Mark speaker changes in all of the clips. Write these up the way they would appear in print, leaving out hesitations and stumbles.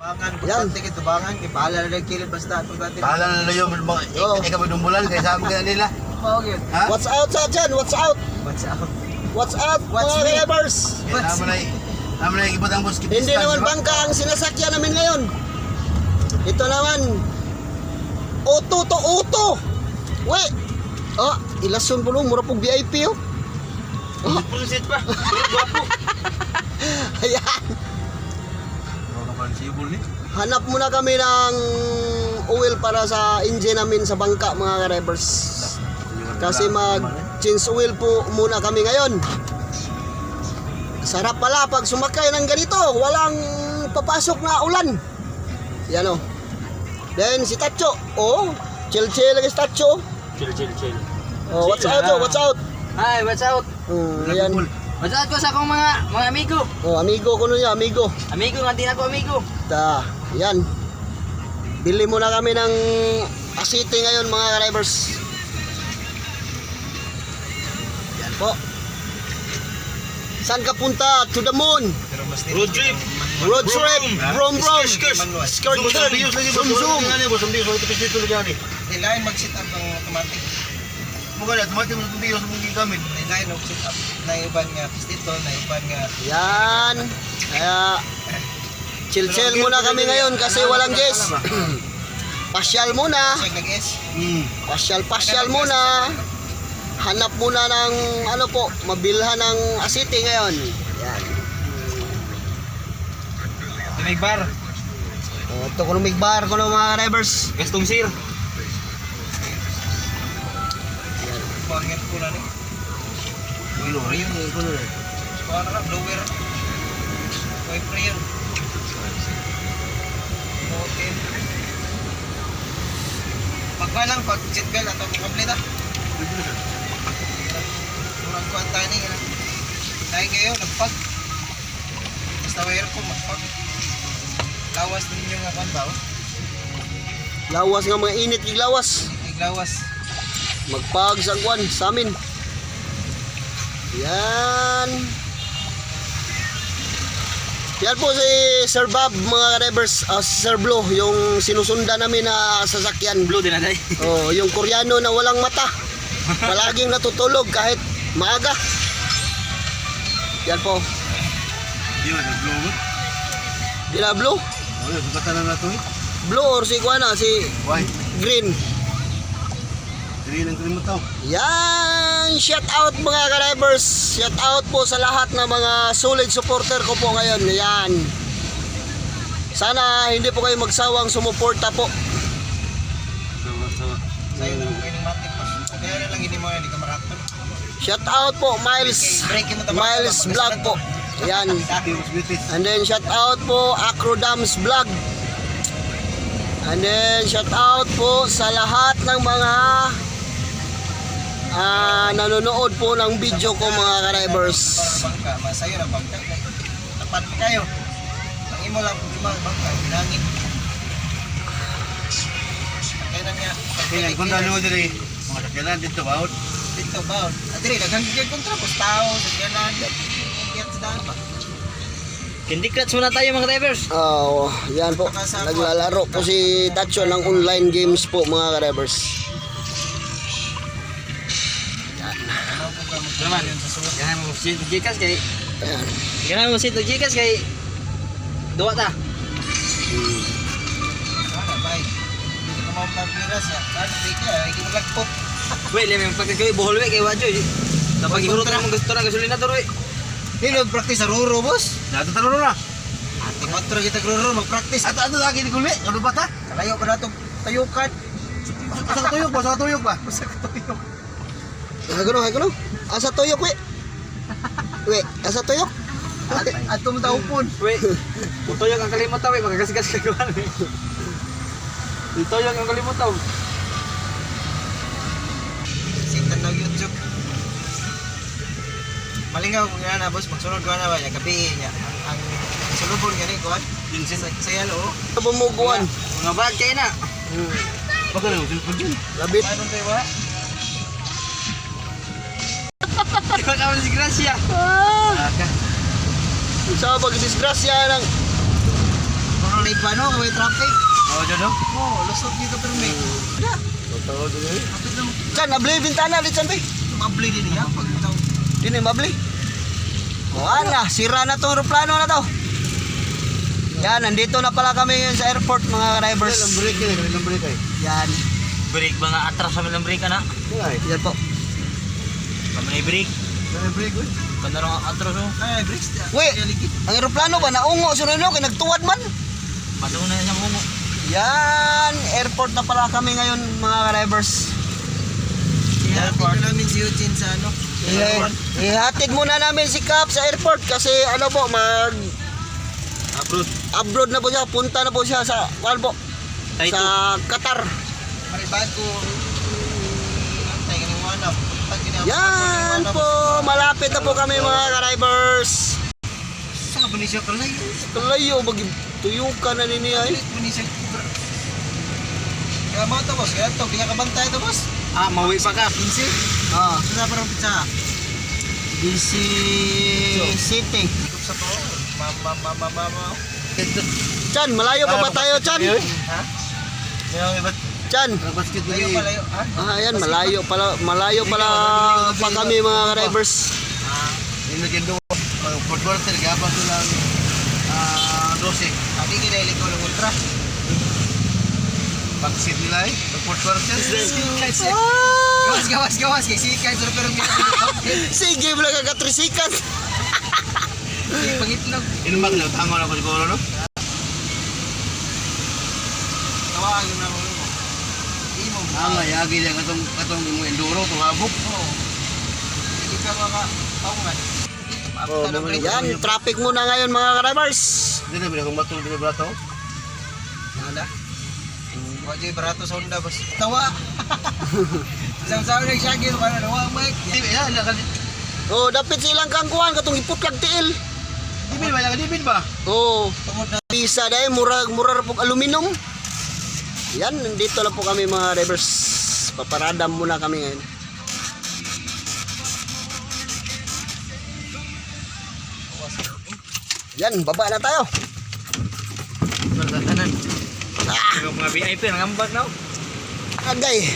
Speaker 1: Bangan, bukante kita bangan, bahala na nagkilid basta ito dati.
Speaker 2: Bahala na yung ikaw dumbulan kaya sabi ka nila.
Speaker 1: Bakit?
Speaker 2: Ha?
Speaker 3: What's out sa dyan? What's out?
Speaker 1: What's up?
Speaker 3: What's up
Speaker 1: What's
Speaker 3: mga
Speaker 1: me?
Speaker 3: drivers?
Speaker 2: Naman na ikipot ang bus.
Speaker 3: Hindi naman bangka ang sinasakyan namin ngayon. Ito naman auto to auto. Wait. Oh, ilason po mura pong VIP oh. Oh.
Speaker 2: Pulsit pa.
Speaker 3: Ayan.
Speaker 2: Sibol ni.
Speaker 3: Hanap muna kami ng oil para sa engine namin sa bangka mga drivers. Kasi mag-change oil po muna kami ngayon. Sarap pala pag sumakay ng ganito, walang papasok na ulan. Yan o. Then si Tacho, oh, chill lagi si Tacho.
Speaker 4: Chill.
Speaker 3: Oh, what's out oh, what's out?
Speaker 4: Hi, what's out?
Speaker 3: Ayan.
Speaker 4: What's out ko sa akong mga amigo.
Speaker 3: Oh, amigo ko nun niya, amigo.
Speaker 4: Amigo nga din ako amigo.
Speaker 3: Yan. Bili muna kami ng asite ngayon mga drivers. Yan po. Saan ka punta? To the moon.
Speaker 2: Road trip.
Speaker 3: Road trip. Brom. Skirt. Zoom.
Speaker 1: Kailangan mag-sit up ang automatic.
Speaker 2: Mukha na, tumating mo sa biyo sa mungking gamit.
Speaker 1: Kailangan mag-sit up. Naiban nga dito, naiban nga.
Speaker 3: Yan. Kaya chill muna kami ngayon kasi walang gas. Pasyal muna.
Speaker 1: Siya nag-S.
Speaker 3: Pasyal muna. Hanap muna ng ano po, mabilhan ng asite ngayon. Yan.
Speaker 4: May bar.
Speaker 3: Ito ko may bar ko ng mga drivers.
Speaker 4: Gastong sir.
Speaker 1: Pangit ko na ni. Para na, blower. Wiper yun. Okay. Pagka lang, pag seatbelt atau complete ah. Kurang kuhan tayo ni. Dahil kayo, nagpag. Basta wire ko, magpag. Lawas din yung kuhan ba?
Speaker 3: Lawas nga mga init yung lawas.
Speaker 1: Lawas.
Speaker 3: Magpag sa kwan sa amin. Yan. Yan po si Sir Bob mga drivers, si Sir Blue, yung sinusunda namin na sasakyan.
Speaker 4: Blue din na day.
Speaker 3: Oh, yung Koreano na walang mata. Palaging natutulog kahit maaga. Yan po.
Speaker 2: Yun, nag-blow mo.
Speaker 3: Di na blue?
Speaker 2: Oh, yun, sukatan na ito eh.
Speaker 3: Blue or si kuana, si
Speaker 2: White.
Speaker 3: green.
Speaker 2: Dili ng krim mo tao.
Speaker 3: Yan, shout out mga ka-drivers. Shout out po sa lahat ng mga solid supporter ko po ngayon. Yan. Sana hindi po kayo magsawang sumuporta po.
Speaker 1: Sa'yo na kayo ng matik pa. Kaya na lang hindi mo hindi ka maraton.
Speaker 3: Shout out po Miles Vlog po. Yan. And then shout out po Acrodams Vlog. And then shout out po sa lahat ng mga nanonood po ng video ko mga ka-drivers.
Speaker 1: Bangka, masayo na bangka. Tapat pa kayo. Ang imo lang problema bangka, hinangin. Kaya na niya.
Speaker 2: Kaya kung ano diri, mga sakyanan dito ba?
Speaker 1: Dito ba? Diri daghang gigil kontra ko tao sa kanan. Kiyat sa daan ba?
Speaker 4: Candy Crush muna tayo mga drivers.
Speaker 3: Oh, yan po. Naglalaro po si Tacho ng online games po mga ka-drivers.
Speaker 4: Naman. Ganyan mo si Gcash kay.
Speaker 3: Ayan.
Speaker 4: Ganyan mo si Gcash kay. Duwa ta.
Speaker 1: Sana bay. Hindi ko mau pagpira siya. Ano bigla, hindi mo lagpot.
Speaker 4: Wait, lemi pag kay buhol we kay wadyo. Dapat iguro ta mo gusto na gasolina to roy.
Speaker 1: Hindi practice sa ruro boss.
Speaker 2: Nato tanong na.
Speaker 1: Ati matro kita ruro mag-practice.
Speaker 2: Ato lagi ni kulmi. Ano ba ta?
Speaker 1: Kalayo pa nato tayukan.
Speaker 2: Sa tuyok ba? Sa tuyok ba?
Speaker 1: Sa katuyok.
Speaker 3: Ay kuno. Asa tuyok we? We, asa tuyok?
Speaker 1: Atom taupon.
Speaker 4: Wait. Utoyog ang kalimot taw, magagasgas ka kuan. Utoyog ang kalimot taw.
Speaker 1: Sintan na YouTube. Malingaw kung na boss, magsunod ko na ba ya gabi niya. Ang sulubon gani ko. Sa yalo.
Speaker 3: Bumubuan.
Speaker 4: Mga bag kay na.
Speaker 2: Baka na usin pag yun.
Speaker 3: Labit.
Speaker 1: Paano tayo ba?
Speaker 4: Ikaw naman si Gracia.
Speaker 3: Sa pag-disgrasya ng may pano, may traffic.
Speaker 2: Oh, dyan no?
Speaker 1: Oo, lusot dito pero may.
Speaker 2: Totoo dyan eh.
Speaker 1: Kapit lang.
Speaker 3: Chan, nabli bintana di chan be.
Speaker 1: Mabli din niya pag ito.
Speaker 3: Dini mabli. Wala, sira na tong aeroplano na to. Yan, nandito na pala kami ngayon sa airport mga drivers.
Speaker 2: Ilang break yan, ilang break ay.
Speaker 3: Yan,
Speaker 4: Break ba nga atras sa milang break na?
Speaker 2: Ay,
Speaker 3: yan po.
Speaker 4: Kami na break.
Speaker 2: ilang break eh.
Speaker 4: Kanda rin ang atras oh.
Speaker 1: Ay, bricks.
Speaker 3: Uy, ang aeroplano ba naungo sunod no kay nagtuwad man.
Speaker 4: Patungo na siya mungo.
Speaker 3: Yan, airport na pala kami ngayon mga drivers.
Speaker 1: Ihatid na namin si Eugene sa ano.
Speaker 3: Ihatid muna namin si Cap sa airport kasi ano po abroad na po siya, punta na po siya sa po sa Qatar.
Speaker 1: Maribad ko. Antay ka ng wanap.
Speaker 3: Yan po, malapit na po kami mga drivers.
Speaker 1: Saan ba ni siya kalayo?
Speaker 3: Kalayo, tuyukan na niya eh.
Speaker 1: Ulit ba ni siya? Kaya mga ito boss, kaya ito, di ka kabantay ito boss.
Speaker 2: Ah, mawi pa ka.
Speaker 1: 15?
Speaker 3: Ah,
Speaker 1: Saan parang pizza?
Speaker 3: DC City.
Speaker 1: Ikop sa to. Mama.
Speaker 3: Chan, malayo pa ba tayo, Chan?
Speaker 1: Ha?
Speaker 2: Mayroong iba't
Speaker 3: Chan.
Speaker 2: basket
Speaker 1: Layo
Speaker 2: dali.
Speaker 1: pa layo. Ha?
Speaker 3: Ah, yan, malayo pala pa kami mga drivers.
Speaker 2: Yung naging doon, mga football sir, gabang silang 12.
Speaker 1: Abi kinailig ko ng ultra.
Speaker 2: Backseat nila eh, football sir.
Speaker 1: Gawas. Kaya sikay. Pero
Speaker 3: Sige, wala kagatrisikan.
Speaker 1: pangitlog.
Speaker 2: Inumak na, tango na ko siguro no?
Speaker 1: Tawagin na mo. Imo.
Speaker 2: Nga, yagi yan katong enduro, kung habok.
Speaker 1: Oo. Hindi ka makapaungan.
Speaker 3: Yan, traffic muna ngayon mga drivers.
Speaker 2: Hindi na, binakong matong binabrato.
Speaker 1: Wala. Wajay barato sa Honda boss. Tawa. Isang nang siya gino ka na nawa Mike.
Speaker 2: Hindi, yan,
Speaker 3: Oh, dapat silang kangkuhan katong iputlag tiil.
Speaker 2: Dibin ba? Dibin ba?
Speaker 3: Oh,
Speaker 1: Tungod na
Speaker 3: pisa dahil mura po aluminum. Yan, nandito lang po kami mga drivers. Paparadam muna kami ngayon. Yan, baba na tayo.
Speaker 4: Kanan. Yung mga VIP nangambag na.
Speaker 3: Agay.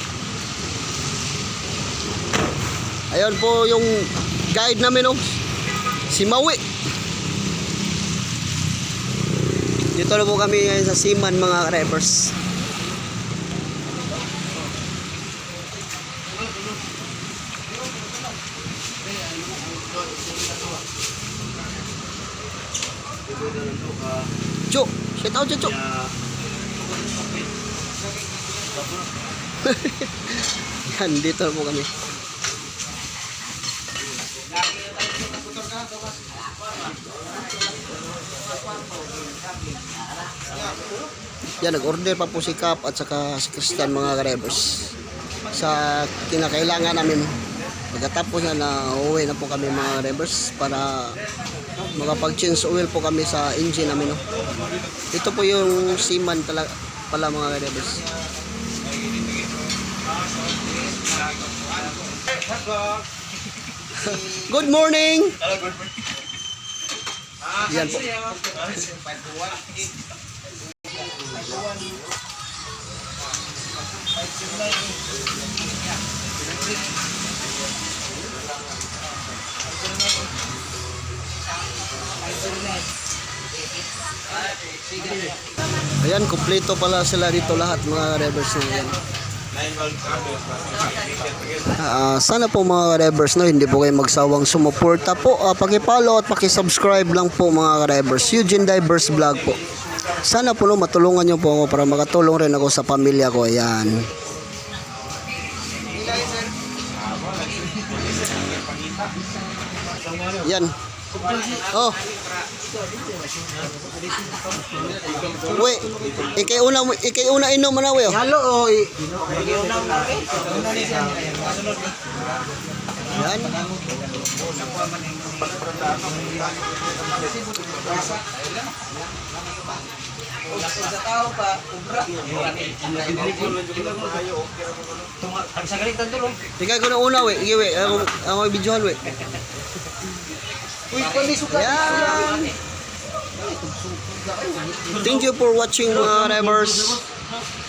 Speaker 3: Ayun po yung guide namin, oh. Si Maui. Dito na po kami ngayon sa Siman mga drivers. Cuk, shout out Cuk. Yan, dito na po kami. Yan, nag-order pa po si Cap at saka si Christian mga drivers sa kinakailangan namin. Pagkatapos yan na uwi na po kami mga drivers para makapag-change oil po kami sa engine namin. No? Ito po yung Siman pala mga drivers. Good morning! Yan po. Ayan, kumpleto pala sila dito lahat mga drivers na yan. Sana po mga drivers no, hindi po kayo magsawang sumuporta po. Paki-follow at paki-subscribe lang po mga drivers. Eugene Divers Vlog po. Sana po no, matulungan nyo po ako para makatulong rin ako sa pamilya ko. Ayan. Yan. Oh. Wait, ikay una inom mo na we.
Speaker 1: halo o
Speaker 3: Yan.
Speaker 1: sa tao pa, ubra. Ang sagalitan tulong.
Speaker 3: Ikay ko na una we. Sige we, ako videohan we.
Speaker 1: Uy, kundi suka.
Speaker 3: Yan. Thank you for watching mga drivers.